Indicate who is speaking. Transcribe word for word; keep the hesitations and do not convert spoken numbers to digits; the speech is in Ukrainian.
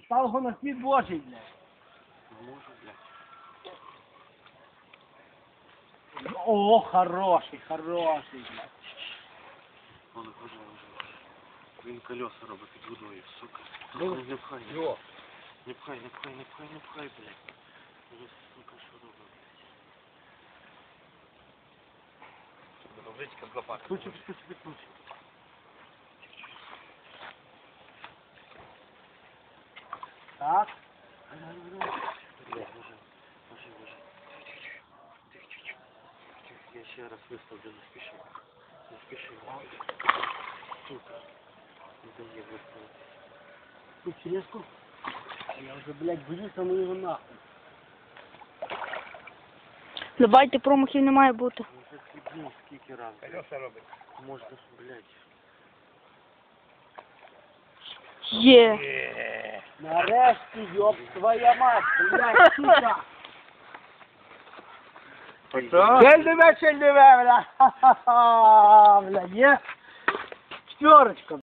Speaker 1: Став його на світ Божий, блядь.
Speaker 2: Можу, блядь.
Speaker 1: О, хороший, хороший, блядь.
Speaker 2: Он уже, уже. Він колеса робить під водою, сука.
Speaker 1: Ну,
Speaker 2: Не пхай, не
Speaker 1: йо.
Speaker 2: Не пхай, не пхай, не пхай, не пхай, блядь. Уже, сука, що робить, блядь.
Speaker 3: Ручка з лопаткою.
Speaker 2: Ключик, ключик, ключик.
Speaker 1: Так.
Speaker 2: Блядь, уже, уже, уже. Тихо, тихо, тихо. Тихо, я ще раз виставлю, не спіши. Не спіши. Сука. Не дає виставити.
Speaker 1: Тут черешку. Я вже, блядь, боюся, ну його нахуй.
Speaker 4: Давайте, промахів не має бути.
Speaker 2: Може хлібнув скільки раз.
Speaker 3: Колеса робить.
Speaker 2: Можна ж, блядь.
Speaker 4: Є.
Speaker 1: Нарешті, ёб твоя мать, блядь, сука. Чельдиве, чельдиве, бля. Ха-ха-ха, бля, є. Четверочка.